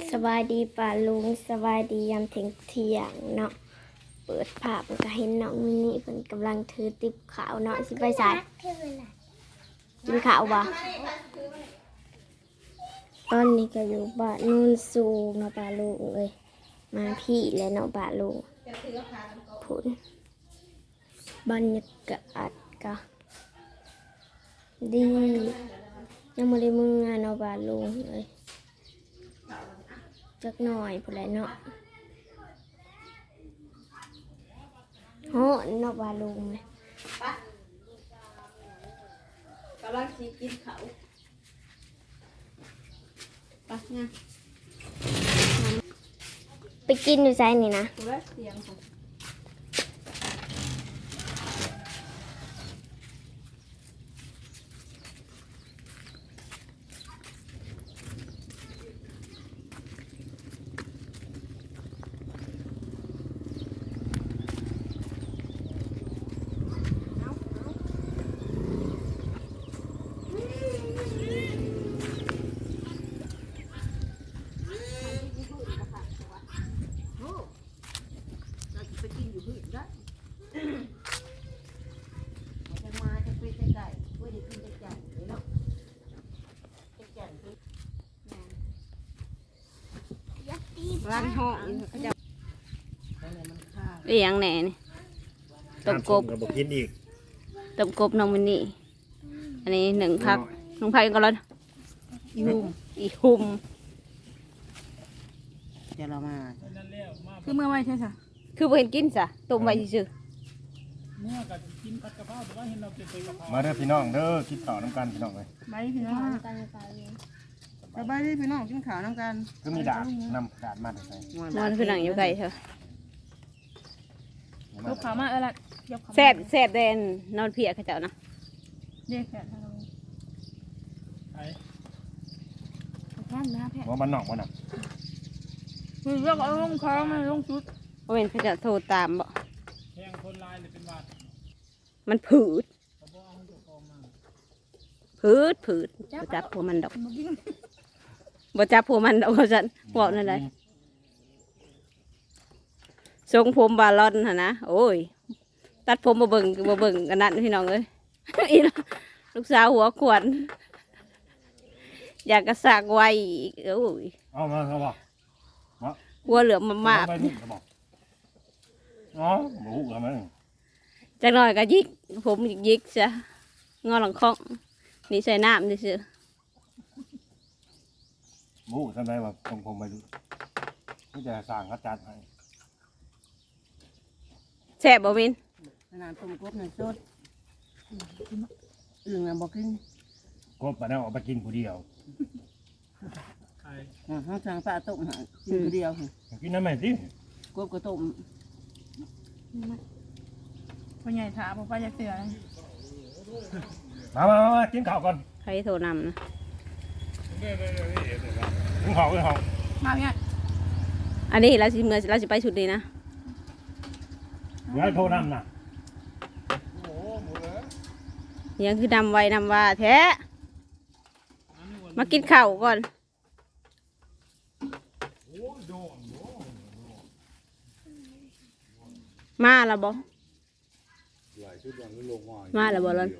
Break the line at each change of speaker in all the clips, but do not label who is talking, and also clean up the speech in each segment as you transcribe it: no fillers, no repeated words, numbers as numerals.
สบายดีป่าลุงสบายดียามเที่ยงเนาะเปิดภาพก็เห็นน้องมินิเพิ่นกำลังถือติ๊บขาวเนาะสิไปใส่กินข้าวบ่ตอนนี้ก็อยู่บ้านนู่นสูงเนาะป่าลุงเลยมาพี่แล้วเนาะป่าลุงผุนบรรยากาศก็ดียังไม่ได้มึงงานเนาะป่าลุงเลยจักหน่อยพอแล้วเนาะโหเนาะป่าลุงเลย
กำลังกินเขาปะเนี่ย
ไปกินอยู่ไซนี่นะ
ดูแลเสียงของร้านห้องเขาจะเอียงแหน่นี่ต้มกบ
กับกินอีก
ต้มกบน้องมินนี่อันนี้หนึ่งพักน้องพักก็ร้อนอีหุมเดี๋ยวเรามาคือเมื่อไม่ใช่สะคือเห็นกินสะต้มไว้ซื่อ
เมื่อกับกินผัดกะเพราแต่ว่าเห็นเราเป็นกะเพรา
มาเด้อพี่น้องเด้อกินข้าวน้ำกันพี่น้องเลย
ใบพี่น้องสบายดีพี่น้องกินข้าวน้ำกัน
ก็มีดาดนำดาดมาใส่
มันคือหนังอยู่ไกลเถอะ
ยกขามาละ
แสบแดนนอนเพียเขาเจ้านะ
เด็กแค่ทางนี้ไอ้
แค่นะแค่
ว่ามันหนอกมันหนัก
คือเรื่องเอาลงค้างมันลงชุด
เว้นเขาจะโทรตามบ่
แทงคนลายเลยเป็นวัด
มันผืดบ่จับพวกมันดอกบ่จับพวกมันดอกจันบอกนั่นเลยทรงผมบาลอนฮะนะโอ้ยตัดผมบ่เบิ่งกันนั่นพี่น้องเอ้ยอีลูกสาวหัวขวดอยากกระสากไวอีกโอ้ย
เอามาเขาบอก
หัวเหลือมมาก
อ๋อหมูกันมั้ง
จักหน่อยก็ยิกผมยิกซะงอหลังคองนี่ใส่น้ำดิซื่อ
หมูทำไมแบบผมไปดูนี่จะสั่งกระจัดให้
แซ่บบ่วิน
นานต้มกบหนึ่งสดอึ่งน่ะบอกกิน
กบมาแล้วเอาไปกินผู้เดียว
ห้องทางป้าต้มกินผู้เดียว
กินน้ำไหมสิ
กบก็ต้ม
พ่อใหญ่ถามพ่อจะเสือ
มากินข้าวก่อน
ใครโทรนำนะ
กินข้าว
มาเนี่ย
อันนี้เราสิไปชุดดีนะ
เดี๋ยวโทรนำนะ
ยังคือนำไว้นำว่าแท้มากินข้าวก่อนมาแล้วบ่มาแล้วบ่ล่ะ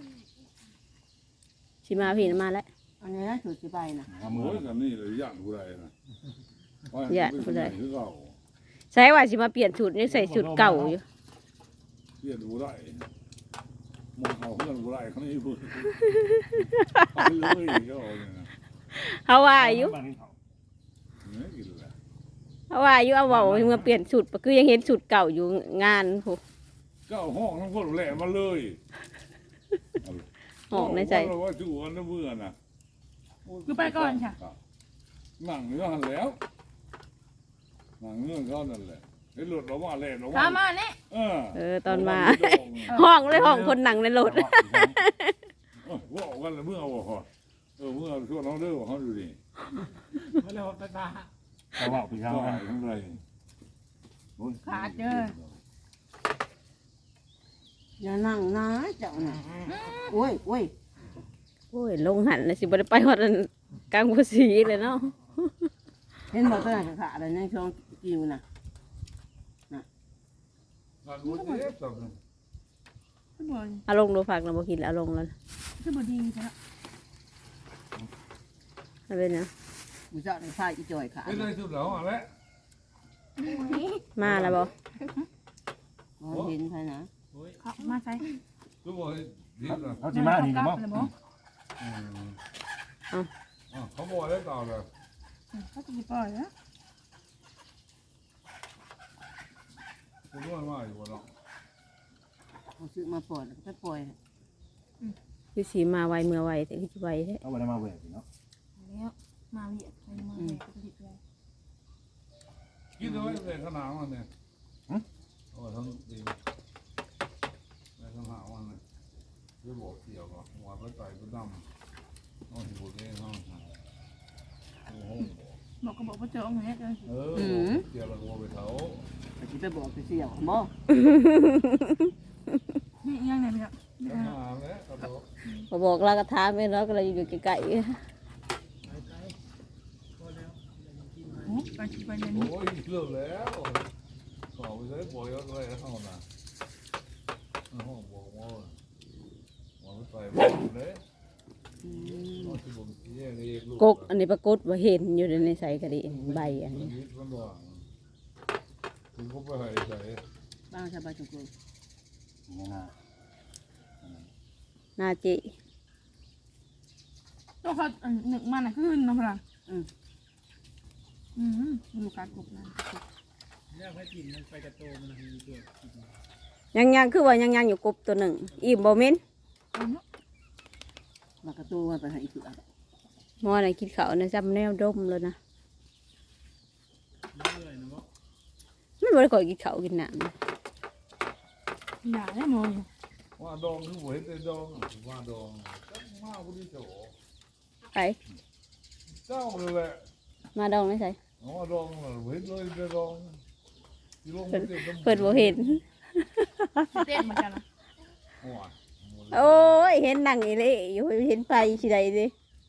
สิมาพี่มาแล้ว
อันนี้สุดสิไปนะ
มือกันนี่เลยย่านผู้ใดนะ
ย่านผู้ใดใช่ว่าสิมาเปลี่ยนชุดนี่ใส่ชุดเก่าอยู่
เปลี่ยนผู้ใดมองเขาเพื่อนผู้ใดเขาไม่พูด
เขาว่าอยู่เขาว่าอยู่เอาว่ามาเปลี่ยนชุดคือยังเห็นชุดเก่าอยู่งานพวก
เก้าห้องทั้งคนแหลมมาเลย
ห้องในใจ
ว่าจู่กันนะเบื่อนะ
คือไปก่อนค่ะ
หนังเนื้อหันแล้วหนังเนื้อเขานั่นแหละไอ้หลุดเราว่าแหลมเรา
ว่ามาเนี่ย
ตอนมาห้องเลยห้องคนหนังในรถ
ว่าออกกันเมื่อเอาพอเมื่อช่วงน้องเลิกเขาดูดิ
ไม่เลยไปตา
เขาบอกพี่เขา
ทั้งไร
ขาดเจอ
อย่านั่งนะเจ้าน่ะโอ้ย
ลงหันเลยสิบ่ได้ไปฮอดกลางภาษีเลยเนาะ
เห็นบอกตัวไหนขาดอะไรในช่วงกิวน่ะ
งานบุญเด็กแบบนี้
คือบ่
เอาลงดูฝากเราบ่กินแล้วเอาลงแล้ว
คือบ่ดีซะ
เอาเป็นเนาะ
กูจะได้พาอีจอยขาด
ไม่ได้สุดแล้วอะไร
มาแล้วบ่
เห็นใช่นะ
เขามาใส่
ทุกคนดีนะ
เขาสิมานี่นะบ่
เขาบอกได้ต่อเลย
เขาจะปล่อยแล้ว
คุณรู้ว่าอยู่บนเนาะ
เขาซื้อมาปล่อยแล้วก็ปล่อย
คือสีมาไวเมื่อไวแต่คือสิไวแท้
เอาบ่ได้มาแหวกเนาะ
แล้วมาเวียดไปมาเวียดก็ติดเลย
คิดดูว่าเป็นขนาดมันเนี่ยโอ้ทั้งดีในขนาดมันเนี่ยด้วยบอกเกี่ยวกับหัวพระไตรพระดำน้องที่บุญเองน้องโอ้โห
บอกก็บอกว่าเจออย่างเงี้ยเลย
เกี่ยวกับหัวไปเท้า
ไปคิดไปบอกไปเสี่ยวบ่
นี่ยังไงเนี่ย
ขนาดแล้วกระโดด
บ่บอกเราก็ถามเองเราก็เลยอยู่ไกล
โอ้ไปชิไปเลย
โอ้ยเลิกแล้วต่อไปเลยปล่อยอะไรเท่านั้นห้องบอกว่าหัวพระไตรพระดำเลยน้องที่บุญเองเองลู
ๆกกอันนี้ปรากฏว่าเห็นอยู่ในใส่กระดิใบอันนี้
มันว่างถึงก็ไปหายใจ
บ้างชาวบ้านจุก
นี่นะ
หน้าจิ
ตัวเขาหนึ่งมันอ่ะขึ้นนะพลังดูการกบนะ
เนี่ยพระจินมันไปกระโตมันมีตัว
ยังคือว่ายังอยู่กบตัวหนึ่งอิ่มบ่แม่น
มากระตู้มาไปให้อีกตัว
หมอน่ะกินข้าวน่ะจำแนวดมเลยนะ
เรื่อยๆนะว่า
มันบ่ได้ค่อยกินข้าวกินน้ำนะ
อย่าได้มอง
ว่าดองคือหัวเห็ดดองว่าดองจังมากพอดีเจ้า
ไป
เจ้าเลยแหละ
มาดองได้ใส่
ว่าดองเห็ดเลยดองที่ลง
เพิ่นบ่เห็น
เต้นเหมือนกันนะ
โอ้ยเห็นนั่งอีเลยอยู่เห็นไปสิใดสิ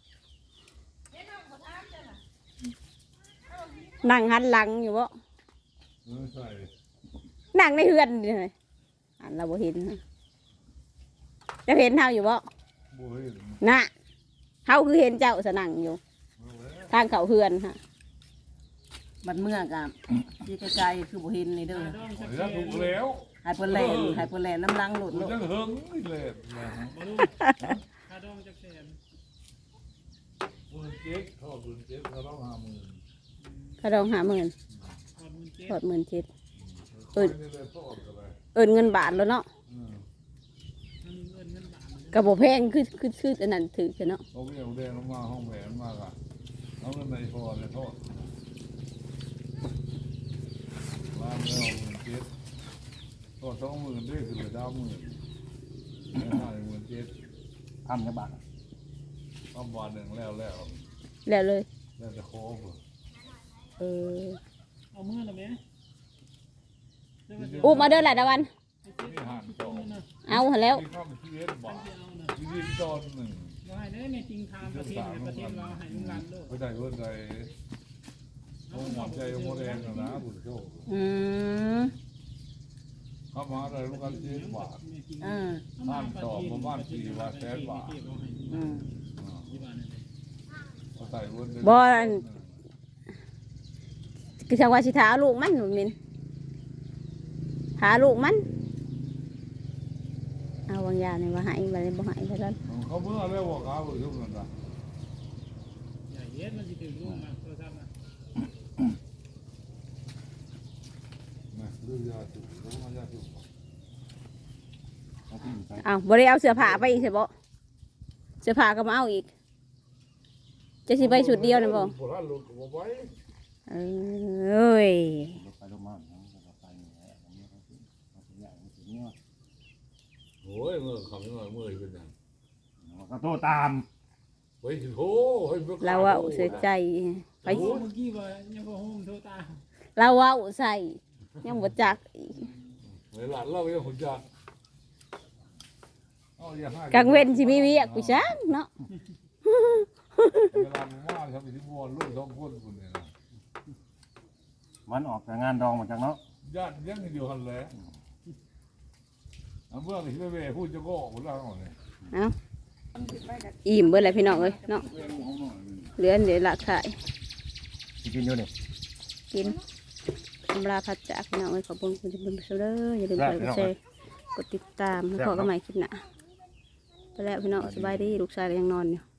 นั่งหันหลังอยู่บ่
ใช่
นั่งในเฮือนนี่เลยอันเราบ่เห็นนะจะเห็นเฮาอยู่บ่
บ่เห็น
น่ะเฮาคือเห็นเจ้าสนั่งอยู่ ทางเขาเฮือนฮะ
บัดเมื่อกับที่ไกลๆคือบ่เห็นในเด้อ
ดอง
ขอ
สั
อก นุญาตถูกแล้ว
หายเปิ้นแลนหายเปิ้นแลนน้ำลังหลุด
มัน
โลด
จังเฮิงนี่แหละ
มาลูกถ้าดองจะแสน
มือเจ๊กทอดมือเจ๊กเขาต้อง50,000
กระดอง50,000
ถอดมือเจ๊
ทอด17,000
นี่เลยทอดกันเลย
เอิ้นเงินบาทแล้วเนาะ
มันเงินบาท
ก็บ่แพงคืออันนั้นถือกันเนาะ
เขาไม่เอาแดงลงมาห้องแหวนมากอ่ะเอาเงินในพอเลยทอดล้างแล้ว17,000ทอด20,000ได้คือเหลือ90,000ได้17,000
ทำจังบาท
ประมาณหนึ่งแล้ว
แล้วเลย
แล้วจะโค้ง
เออ
เอามือละแม่
อู้มาเด้อหลายตะวัน
นี่หันจอง
เอาหั่นแล้ว
ที่เข้าไปที่เอสบาทที่ดินตอนหนึ่ง
ว่าให้ได้ในจริงทางประเทศประเทศเราให้ลุงรันโลก
ไปได้เพื่อนใจโอ้หวังใจโมแดงนะบุญโชค
อืม
เข้ามาได้ลูกกันที่บาท บ้านต่อมาบ้าน4 บาทแสนบาท เอาใส่เพื่อน
บ่อันคือจังว่าสิถาลูกมันหนูมินถาลูกมันเอาบางอย่างนี่ว่าให้บ่ได้บ่ให้เท่านั้น
เขาเมื่อแล้วว่าเขาบุญโชคนั่นนะ
ใหญ่เย็ดมันจะถึงลูกมาโทรศัพท์นะ
นะเรื่องยาสูบแล้วมันยาสูบ
เอาที่อยู่ใส่
เอาบ่ได้เอาเสื้อผ้าไปอีกใช่บ่เสื้อผ้าก็มาเอาอีกจะสิไปชุดเดียวนะบ่
โบราณลูกก็ไว้
เอ้ย
รถไปรถมาเนาะแล้วก็ไปนี่แหละอันนี้เขาสิเอาสิอย่างนี้สิเนี่ย
โอ้ยเมื่อคำนี้เมื่อเป็นยัง
ก็โตตาม
ไปถึงโอ้ย
เราว่าเสียใจไป
เมื่อกี้ว่ายังพอโฮมโทรตา
เราว่าใส่ยังบ่จักอีก
เวลาเรายังหุ่นจัก
กลางเว้นสิมีเวียกกูจังเนาะ
เวลามึงว่าทำที่บัวลูก2 คนคนเนี่ยนะ
มันออกจากงานดองมาจากเนาะ
ญาติยังอยู่หันแหละเมื่อที่เว่พูดจะก็คนละคนเลย
เอ้าอิ่มเบิดเลยพี่น้องเอ้ยเนาะเหลือเดี๋ยวละขาย
สิกินอยู่นี่
กินอำลาพัดจากพี่น้องเอ้ยขอบคุณคุณผู้ชมเด้ออย่าลืมกดไลค์กดแชร์กดติดตามแล้วพอกันใหม่คลิปหน้าไปแล้วพี่น้องสบายดีลูกชายยังนอนอยู่